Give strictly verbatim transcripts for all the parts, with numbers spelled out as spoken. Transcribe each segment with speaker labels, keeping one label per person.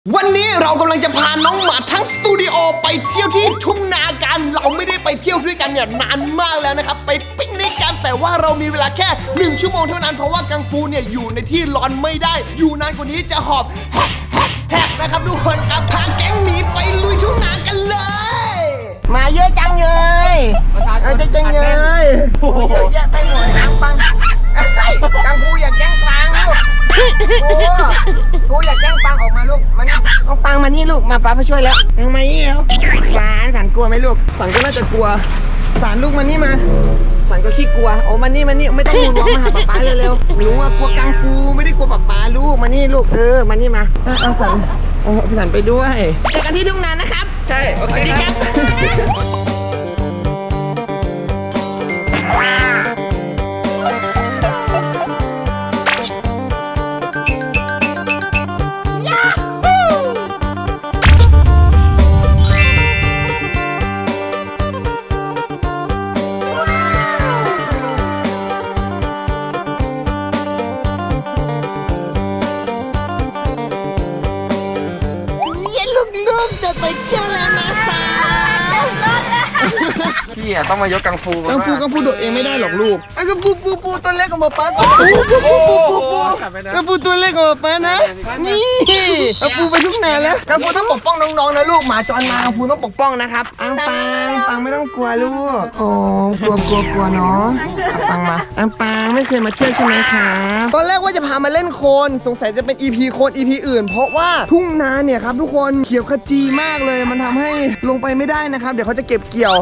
Speaker 1: วันนี้เรากำลังจะพาน้องหมาทั้งสตูดิโอไปเที่ยวที่ทุ่งนากันเราไม่ได้ไปเที่ยวด้วยกันเนี่ยนานมากแล้วนะครับไปปิกนิกกันแต่ว่าเรามีเวลาแค่หนึ่งชั่วโมงเท่านั้นเพราะว่ากังฟูเนี่ยอยู่ในที่ร้อนไม่ได้อยู่นานกว่านี้จะหอบแฮกแฮกแฮกนะครับทุกคนครับพาแก๊งหมีไปลุยทุ่งนากันเลยมาเยอะจังเลยเอาจังจังเลยโอ้โหเยอะแยะไปหมดน้ำปังกังฟูอย่าแกล้งปังลูกโอ้กูอยากแกล้งปังออกมาลูกมานี่เอาปังมานี่ลูกมาป้ามาช่วยแล้วยังมานี่แล้วสารสารกลัวไหมลูกสารก็น่าจะกลัวสารลูกมานี่มาสารก็ขี้กลัวโอ้มานี่มานี่ไม่ต้องมูนวอล์กมาหาป๊าป๊าเร็วๆรู้ว่ากลัวกังฟูไม่ได้กลัวป๊าป๊าลูกมานี่ลูกเออมานี่มาเอาสารเอาสารไปด้วยเจอกันที่ทุ่งนานะครับใช่โอเคครับจะไปเที่ยวแล้วนะคะพี่อะต้องมายกกังฟูกังฟูกังฟูโดดเองไม่ได้หรอกลูกไอ้กังฟูปูปูตัวเล็กของป๊าป๊าปูปูปูปูปูปูกังฟูตัวเล็กของป๊านะนี่กังฟูไปทุกนานแล้วกังฟูต้องปกป้องน้องๆนะลูกหมาจรมากังฟูต้องปกป้องนะครับอังปังปังไม่ต้องกลัวลูกโอ้กลัวกลัวกลัวเนาะปังมาอังปังไม่เคยมาเที่ยวใช่ไหมคะตอนแรกว่าจะพามาเล่นโคลนสงสัยจะเป็น อี พี โคลน อี พี อื่นเพราะว่าทุ่งนาเนี่ยครับทุกคนเขียวขจีมากเลยมันทำให้ลงไปไม่ได้นะครับเดี๋ยวเขาจะเก็บเกี่ยว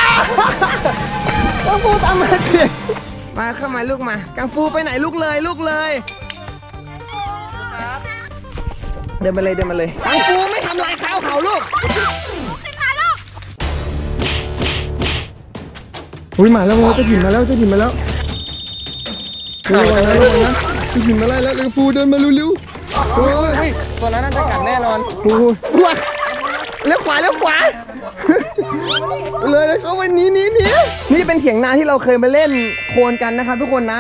Speaker 1: กังฟูตามมาสิมาเข้ามาลูกมากังฟูไปไหนลูกเลยลูกเลยเดินมาเลยเดินมาเลยกังฟูไม่ทำลายข้าวเขาลูกขึ้นมาลูกอุ้ยมาแล้วจะถิ่นมาแล้วจะถิ่นมาแล้วระวังนะระวังนะจะถิ่นมาไล่แล้วกังฟูเดินมาเร็วๆโอ้ยตัวนั้นน่าจะกัดแน่นอนโอ้ยว้าแล้วขวาแล้วขวาเลยเลยเขาวันนี้นี้นี้นี่เป็นเถียงนาที่เราเคยมาเล่นโคลนกันนะครับทุกคนนะ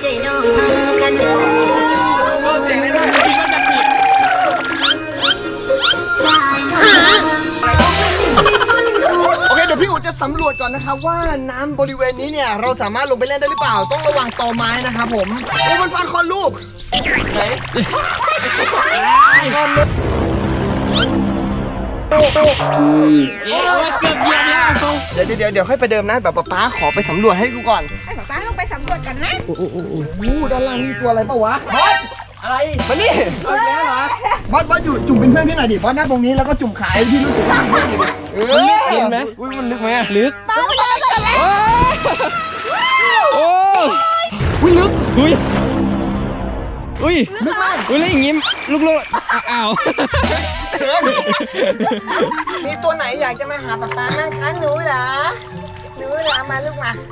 Speaker 1: โอเคเดี๋ยวพี่อู๋จะสำรวจก่อนนะครับว่าน้ำบริเวณนี้เนี่ยเราสามารถลงไปเล่นได้หรือเปล่าต้องระวังตอไม้นะครับผมโอ้มันฟันคอลูกไหนโอ้โหเกือบเหยียบแล้วเดี๋ยวเดี๋ยวเดี๋ยวค่อยไปเดิมนะแบบป๊าป๊าขอไปสำรวจให้กูก่อน
Speaker 2: ให้ป๊าป๊าลงไปสำรวจกันนะ
Speaker 1: โอ้โหโอ้โหด้านล่างมีตัวอะไรเปล่าวะบอสอะไรมานี่เอาแล้วเหรอบอสบอสอยู่จุ่มเป็นเพื่อนพี่หน่อยดิบอสนั่งตรงนี้แล้วก็จุ่มขายที่รู้สึกว่าเออลึกไหมอุ้ยมันลึกไหมลึก
Speaker 2: ป๊าไปเลยเลย
Speaker 1: โอ้อุ้ยลึก
Speaker 3: อุ้ยอุ้ย
Speaker 1: ลึกมาก
Speaker 3: อุ้ยแล้วอย่างงี้ลูกๆอ้าว
Speaker 1: มีตัวไหนอยากจะมาหาป๊าป๊านั่งค้างหนูเหรอหนูเหรอมาลูกมา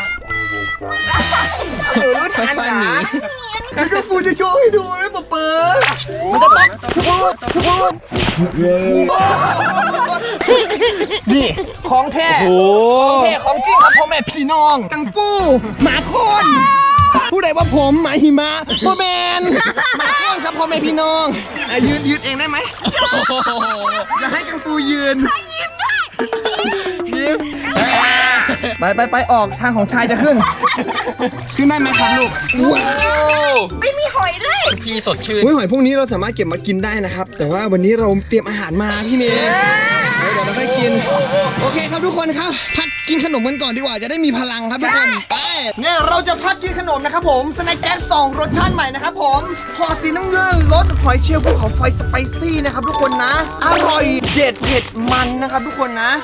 Speaker 1: หนูรู้ทันเหรอนี่ก็ฟูจะโชว์ให้ดูนะป๊าป๊ามันจะต้องพูดพูดนี่ของแท้ของแท้ของจริงครับพ่อแม่พี่น้องกังฟูหมาโค่นผู้ใดว่าผมหมาหิมะโบแมนหมาโค่นครับพ่อแม่พี่น้องยืนยืนเองได้ไหมจะให้กังฟูยืนยิ้มไปไปไปออกทางของชายจะขึ้นขึ้นได้ไหมครับลูกว้าว
Speaker 2: ไม่มีหอยด้วย
Speaker 3: พี่สดชื่น
Speaker 1: หอยพวกนี้เราสามารถเก็บมากินได้นะครับแต่ว่าวันนี้เราเตรียมอาหารมาพี่เมย์เดี๋ยวเราค่อยกินโอเคครับทุกคนครับพักกินขนมกันก่อนดีกว่าจะได้มีพลังครับทุกคนไปเนี่ยเราจะพักกินขนมนะครับผมสแน็คแก๊สสองรสชาติใหม่นะครับผมห่อสีน้ำเงินรสหอยเชลล์ภูเขาไฟสไปซี่นะครับทุกคนนะอร่อยเด็ดเผ็ดมันนะครับทุกคนนะ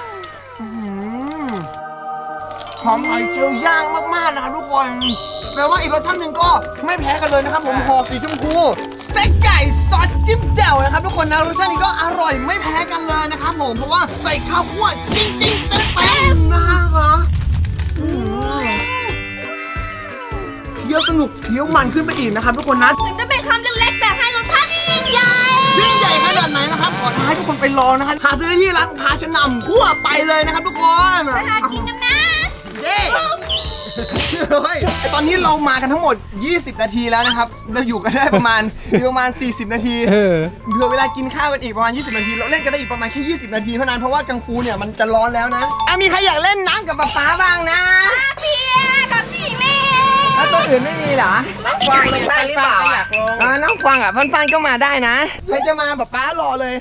Speaker 1: หอมหอยเชลล์ย่างมากๆนะครับทุกคนแปลว่าอีกรสชาติหนึ่งก็ไม่แพ้กันเลยนะครับผมห่อสีชมพูสเต็กไก่ซอสจิ้มแจ่วนะครับทุกคนนะรสชาตินี้ก็อร่อยไม่แพ้กันเลยนะครับผมเพราะว่าใส่ข้าวคั่วจริงๆเต็มๆนะครับเคี้ยวสนุกเคี้ยวมันขึ้นไปอีกนะครับทุกคนนะ
Speaker 2: ถึงจะเป็นคำเล็กๆแต่ให้รสชาติยิ่งใหญ่
Speaker 1: ยิ่งใหญ่ขนาดไหนนะครับขอท้าให้ทุกคนไปลองนะครับหาซื้อได้ที่ร้านค้าชั้นนำทั่วไปเลยนะครับทุกคน
Speaker 2: ไปหากินกันนะ
Speaker 1: เย้เฮ้ยไอ้ตอนนี้เรามากันทั้งหมดยี่สิบนาทีแล้วนะครับเราอยู่กันได้ประมาณอยู่ประมาณสี่สิบนาที
Speaker 3: เออ
Speaker 1: เผื่อเวลากินข้าวกันอีกประมาณยี่สิบนาทีเราเล่นกันได้อีกประมาณแค่ยี่สิบนาทีเท่านั้นเพราะว่ากังฟูเนี่ยมันจะร้อนแล้วนะอ่ะมีใครอยากเล่นน้ำกับป๊าป๊าบ้างนะ
Speaker 2: เปียกับพี่เน่
Speaker 1: ถ้าตัวอื่นไม่มีเหรอน้องฟังลงได้หรือเปล่าอ่ะอ่าน้องฟังอ่ะฟันฟันก็มาได้นะใครจะมาป๊าป๊ารอเลย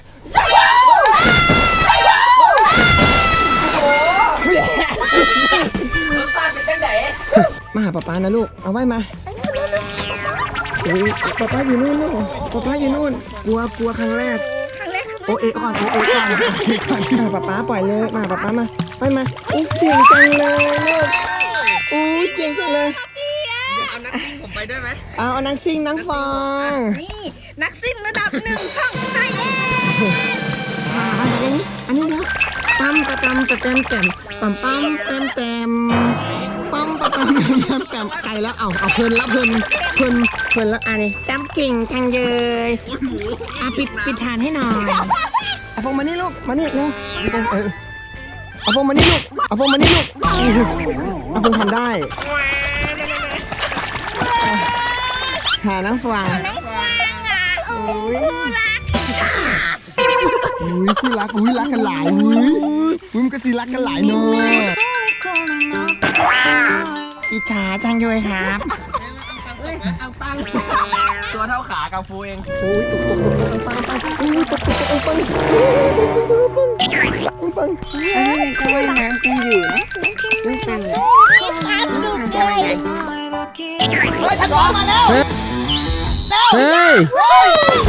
Speaker 1: โอ้โหรสชาติเป็นจังไดมาหาป๊าป๊านะลูกเอาไว้มาโอ้ยป๊าป๊าอยู่นู่นลูกป๊าป๊าอยู่นู่นกลัวกลัวครั้งแรก
Speaker 2: ครั้งแรก
Speaker 1: โอเอก่อนโอเอก่อนโอเอก่อนมาป๊าป๊าปล่อยเลยมาป๊าป๊ามาไปมาอู้เก่งจังเลยลูกอู้เก่งจังเลย
Speaker 3: เอานักซิ่งผมไปด้วยไหม
Speaker 1: เอาเอานังซิ่งนังฟอง
Speaker 2: นี่นักซิ่งระดับหนึ่งช่องไทยเอง
Speaker 1: อ่าอันนี้อันนี้เดี๋ยวปั๊มปะตำปะเต็มแต้มปั๊มปั๊มเต็มแต้มปั๊มปะตำเต็มแต้มแต้มไก่แล้วเอาเอาเพลินแล้วเพลินเพลินเพลินแล้วอันนี้จำเก่งจังเลยอ่ะปิดปิดฐานให้หน่อยเอาฟองมานี่ลูกมานี่เร็วเออเอาฟองมานี่ลูกเอาฟองมานี่ลูกเอาฟองทำได้หาน้ำฟาง
Speaker 2: น้องฟางอ่ะโอ้
Speaker 1: อุ้ยอุ้ยคู่รักอุ้ยรักกันหลายอุ้ยอุ้ยมันก็สิรักกันหลายเนาะอิจฉาจังเลยครับ
Speaker 3: ตัวเท่าขากังฟูเอง
Speaker 1: โอ้ยตกตกตกตกปังปังอุ้ยตกตกตกปังปังปังอันนี้ก็ว่ายน้ำกันอยู่นะไม่เป็นไรเฮ้ยถัดออกมาแล้ว
Speaker 3: เฮ้ย
Speaker 1: เฮ้ย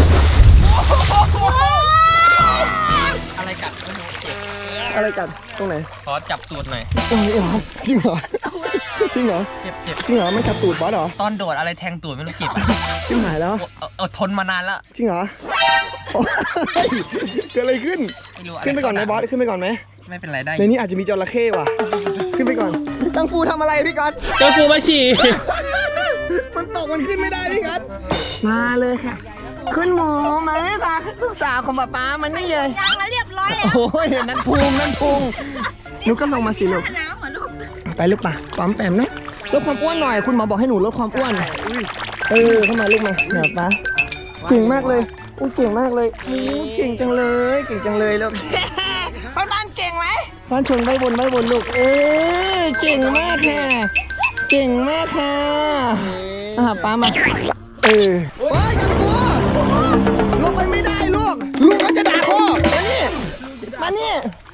Speaker 3: อะไรกัดไม่รู้เจ็บ
Speaker 1: อะไรกันตรงไหน
Speaker 3: ขอจับตูดหน่อย
Speaker 1: ตรงนี้เหรอจริงเหรอจริงเหรอ
Speaker 3: เจ็บเจ็บ
Speaker 1: จริงเหรอไม่จับตูดบอสเหรอ
Speaker 3: ตอนโดดอะไรแทงตูดไม่รู้เจ็บอ่ะ
Speaker 1: จิ้มหายแล้ว
Speaker 3: เออเออทนมานานแล้ว
Speaker 1: จริงเหรอโอ้ยเกิดอะไรขึ้น
Speaker 3: ไม่รู้อะไร
Speaker 1: ขึ้นไปก่อนไหมบอสขึ้นไปก่อนไหม
Speaker 3: ไม่เป็นไรได้
Speaker 1: ในนี้อาจจะมีจระเข้ว่ะ ขึ้นไปก่อนกังฟูทำอะไรพี่ก๊อต
Speaker 3: กังฟูมาฉี่
Speaker 1: มันตกมันขึ้นไม่ได้พี่ก๊อตมาเลยค่ะขึ้นหมูมาไหมคะลูกสาวของป๊าป๊ามันนี่เลย
Speaker 2: ยังแล้วเรียบร้อยแล้ว
Speaker 1: โอ้ยนั่นพุงนั่นพุงหนูก็ลงมาสิลูก
Speaker 2: น้ำเหรอลูก
Speaker 1: ไปลูกป่ะปั๊มแปมนะลดความอ้วนหน่อยคุณหมอบอกให้หนูลดความอ้วนเออเข้ามาลูกมาเนี่ยป๊าเก่งมากเลยอู้เก่งมากเลยอู้เก่งจังเลยเก่งจังเลยลูก
Speaker 2: บ้านบ้านเก่งไหม
Speaker 1: ฟ้านชนใบบนใบบนลูก เออเก่งมากค่ะ เก่งมากค่ะอ่ะป้ามา เออโอ้ยกันบัวลงไปไม่ได้ลูก ลูกก็จะด่าพ่อมานี่มานี่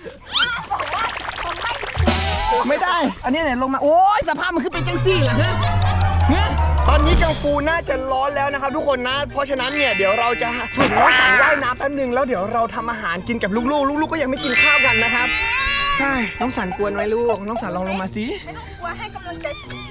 Speaker 1: ไม่ได้ อันนี้เนี่ยลงมา โอ้ยสภาพมันคือเป็นจังซี่เหรอฮะฮะตอนนี้กังฟูน่าจะร้อนแล้วนะครับทุกคนนะ เพราะฉะนั้นเนี่ยเดี๋ยวเราจะฝึกน้องสันว่ายน้ำแป๊บนึงแล้วเดี๋ยวเราทำอาหารกินกับลูกๆ ลูกๆก็ยังไม่กินข้าวกันนะครับ ใช่ น้องสันกวนไว้ลูก น้องสันลองลงมาสิ
Speaker 2: กลัวให้กำลังใจ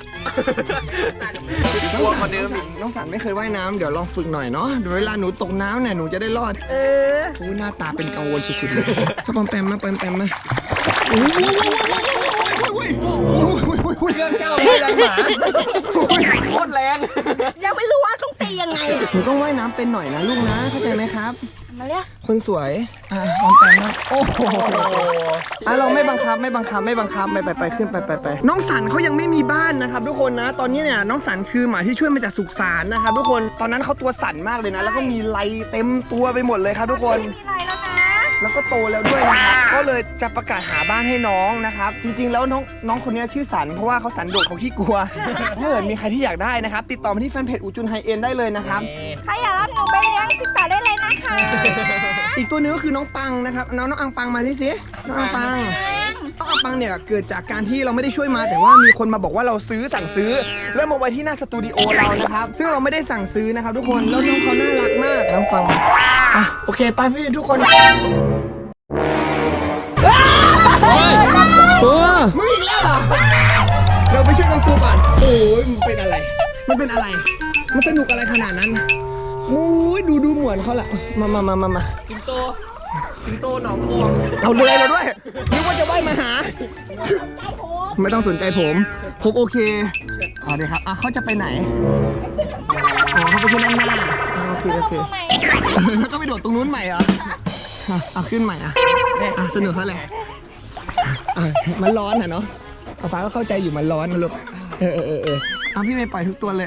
Speaker 1: กลัวคนเดิมอีกน้องสันไม่เคยว่ายน้ำเดี๋ยวลองฝึกหน่อยเนาะเดี๋ยวเวลาหนูตกน้ำเนี่ยหนูจะได้รอด เออโอ้หน้าตาเป็นกังวลสุดๆเลยถ้าปอมแปมมาปอมแปมมาโอ้ยโอ้ย
Speaker 3: เครื่องเจ้าไม่แรงหมาโคตรแรง
Speaker 2: ยังไม่รู้ว่าต้องตียังไง
Speaker 1: หนูต้องว่ายน้ำเป็นหน่อยนะลูกนะเข้าใจไหมครับ
Speaker 2: มาเลย
Speaker 1: คนสวย อ่ะปอมแปมนะโอ้โหอ่ะเราไม่บังคับไม่บังคับไม่บังคับไปไปไปขึ้นไปไปไปน้องสันเขายังไม่มีบ้านนะครับทุกคนนะ ตอนนี้เนี่ยน้องสันคือหมาที่ช่วยมาจากสุสานนะครับทุกคนตอนนั้นเขาตัวสั่นมากเลยนะ แล้วก็มีไรเต็มตัวไปหมดเลยครับทุกคน
Speaker 2: มีอะไรแล้วนะ
Speaker 1: แล้วก็โตแล้วด้วยนะครับก็เลยจะประกาศหาบ้านให้น้องนะครับจริงๆแล้วน้องน้องคนนี้ชื่อสันเพราะว่าเขาสันโดษเขาขี้กลัว ถ้าเกิดมีใครที่อยากได้นะครับติดต่อมาที่แฟนเพจอูจุนไฮเอ็นได้เลยนะครับ
Speaker 2: ใครอยากรับหนูไปเลี้ยงติดต่อได้เลยนะคะ
Speaker 1: อีกตัวนึงก็คือน้องปังนะครับน้องน้องอังปังมาที่สิน้องอังปังน้องอังปังเนี่ยเกิดจากการที่เราไม่ได้ช่วยมา แต่ว่ามีคนมาบอกว่าเราซื้อสั่งซื้อ แล้วมาไว้ที่หน้าสตูดิโอเรานะครับซึ่งเราไม่ได้สั่งซื้อนะครับทุกคนแล้วน้องเขาน่ารักมากน้องปังอ่ะโอเคไปพี่ทุกคน
Speaker 3: ตัว
Speaker 1: มึงอีกแล้วเหรอเราไปช่วยกังฟูก่อนโอ้ยมันเป็นอะไร มันเป็นอะไร มันสนุกอะไรขนาดนั้นโอ้ยดูดูเหมือนเขาแหละมามามามามา
Speaker 3: สิงโต สิงโตหนองฟอง
Speaker 1: เอาเลยเราด้วยนึกว่าจะว่ายมาหา ไม่ต้องสนใจผม ผมโอเคอ๋อเดี๋ยวครับอ่ะเขาจะไปไหนอ๋อเขาไปขึ้นด้านหน้าอ๋อโอเคโอเคแล้วก็ไปโดดตรงนู้นใหม่เหรออ่ะเอาขึ้นใหม่อ่ะอ่ะสนุกเขาแหละอ่ะมันร้อนอ่ะเนาะฟ้าก็เข้าใจอยู่มันร้อนนะลูกเออเออเออเออเอาพี่เมย์ปล่อยทุกตัวเลย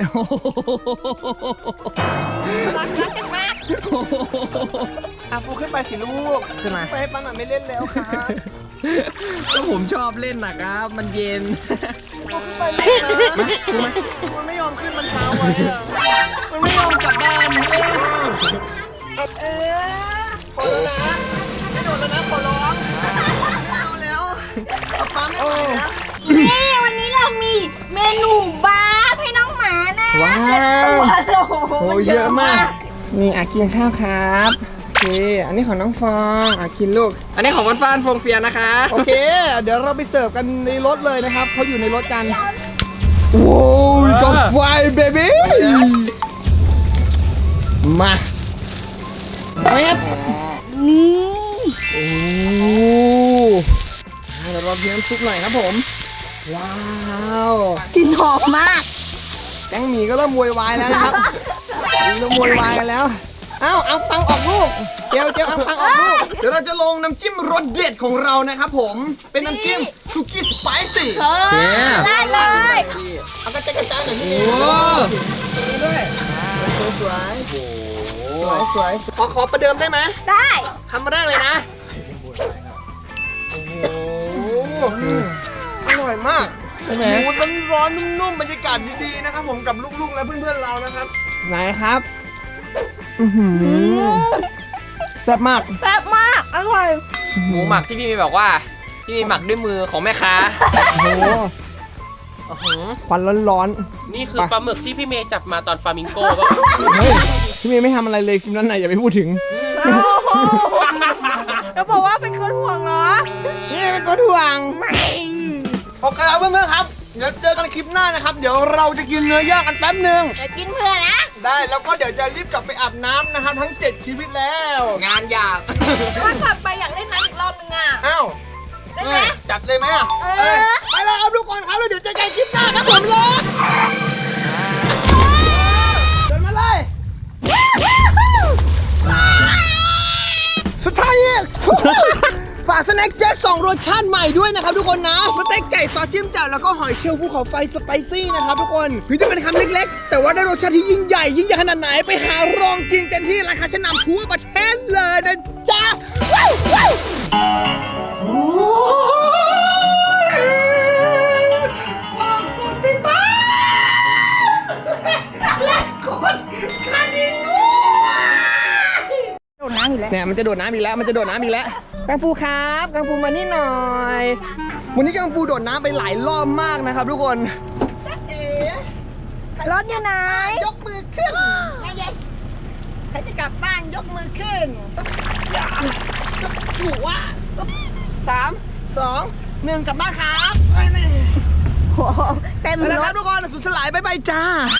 Speaker 2: รักรักกันมาก
Speaker 1: อ่ะฟูขึ้นไปสิลูก
Speaker 3: ขึ้นมา
Speaker 1: ไปให้ป้าหน่อยไม่เล่นแล้วครับ
Speaker 3: ก็ผมชอบเล่นนะครับ มันเย็น
Speaker 1: ไปเล่นนะมันไม่ยอมขึ้นมันเช้าไว้อะมันไม่ยอมกลับบ้านเองเออพอแล้วนะไม่โดนแล้วนะขอร้องเอาแล้วเอาป้าไม่ไหวแล้ว
Speaker 2: นี่วันนี้เรามีเมนูบาร์ให้น้องหมานะ
Speaker 1: ว้าว
Speaker 2: เจ็ดตัวโอ้โห
Speaker 1: โอ้เยอะมาก นี่อากินข้าวครับโอเค อันนี้ของน้องฟองอากินลูก
Speaker 3: อันนี้ของวันฟานฟงเฟียนะคะ
Speaker 1: โอเค เดี๋ยวเราไปเสิร์ฟกันในรถเลยนะครับ เขาอยู่ในรถกัน โอ้ยจบไฟเบบี้มาแป๊บ
Speaker 2: นี่
Speaker 1: โอ้เดี๋ยวเราเพียมซุปหน่อยครับผม ว้าว
Speaker 2: กลิ่นหอมมาก
Speaker 1: แก๊งหมีก็เริ่มโวยวายแล้วนะครับเริ่มโวยวายกันแล้ว เอ้าเอาตังออกลูกเจลเจลเอาตังออกลูก เดี๋ยวเราจะลงน้ำจิ้มรสเด็ดของเรานะครับผม เป็นน้ำจิ้มสุกี้สไปซี่
Speaker 2: เออได้เลย
Speaker 1: เอากระจายกระจายหน่อยพี่เม
Speaker 3: โอ้
Speaker 1: ย์ตรงนี้ด้วยสวยสวยสวยสวยขอขอประเดิมได้ไหม
Speaker 2: ได้
Speaker 1: ทำมาได้เลยนะ โอ้โหอร่อยมากใช่ไหมมันร้อนๆนุ่มๆบรรยากาศดีๆนะครับผมกับลูกๆและเพื่อนๆเรานะครับ ไหนครับ อือหือแซ่บมาก
Speaker 2: แซ่บมาก อร่อย
Speaker 3: หมูหมักที่พี่มีบอกว่า พี่มีหมักด้วยมือของแม่ค้า
Speaker 1: โอ้โห
Speaker 3: อื้อหือ
Speaker 1: ควันร้อน
Speaker 4: นี่คือปลาหมึกที่พี่เมย์จับมาตอนฟลามิงโก้ป่ะ
Speaker 1: ๆ เฮ้ย พี่เมย์ไม่ทำอะไรเลยคลิปนั้นไหนอย่าไปพูดถึง
Speaker 2: โอ้โหแล้วบอกว่าเป็นคนห่วงเหรอ
Speaker 1: นี่เป็นตัวถ่วง
Speaker 2: ไม่
Speaker 1: โอเคครับเพื่อนๆครับ เดี๋ยวเจอกันคลิปหน้านะครับ เดี๋ยวเราจะกินเนื้อย่างกันแป๊บหนึ่ง
Speaker 2: เดี๋ยวกินเพื่อนนะ
Speaker 1: ได้แล้วก็เดี๋ยวจะรีบกลับไปอาบน้ำนะครับทั้งเจ็ดชีวิตแล้ว
Speaker 3: งานยาก
Speaker 2: ถ้ากลับไปอยากเล่นน้ำอีกรอบนึงอ่ะ
Speaker 1: อ้าว
Speaker 2: ได้ไหม
Speaker 1: จัดเลยไหมอ่ะ
Speaker 2: เออ
Speaker 1: ไปแล้วครับทุกคนครับแล้วเดี๋ยวเจอกันคลิปหน้าครับผมเลยเดินมาเลย สุดท้ายเนี่ย ฝากสแน็คแจ็คสองรสชาติใหม่ด้วยนะครับทุกคนนะ สเต็กไก่ซอสจิ้มแจ่วแล้วก็หอยเชลล์ภูเขาไฟสไปซี่นะครับทุกคนถึงจะเป็นคำเล็กๆ แต่ว่าได้รสชาติที่ยิ่งใหญ่ยิ่งใหญ่ขนาดไหนไปหารองกินกันที่ราคาชั้นนำทั่วประเทศเลยนะจ๊ะว้าวว้าวโอ้ยฝากกดติดตามและกดกระดิ่งด้วย
Speaker 2: โดนน้ำอยู่แล้ว
Speaker 1: เนี่ยมันจะโดดน้ำอีกแล้วมันจะโดดน้ำอีกแล้วกังฟูครับกังฟูมานี่หน่อย วันนี้กังฟูโดดน้ำไปหลายรอบมากนะครับทุกคนจ๊ะเอ๋
Speaker 2: รถอยู่ไหน
Speaker 1: ยกมือขึ้นใครจะใครจะกลับบ้านยกมือขึ้นอย่าจุ๋วอ่ะสามสองหนึ่งกลับบ้านครับไปเลย
Speaker 2: โอ้โหเต็ม
Speaker 1: ไปแล้ว
Speaker 2: ร
Speaker 1: ครั
Speaker 2: ถ
Speaker 1: บทุกคนสุดสลายบ๊ายบายจ้า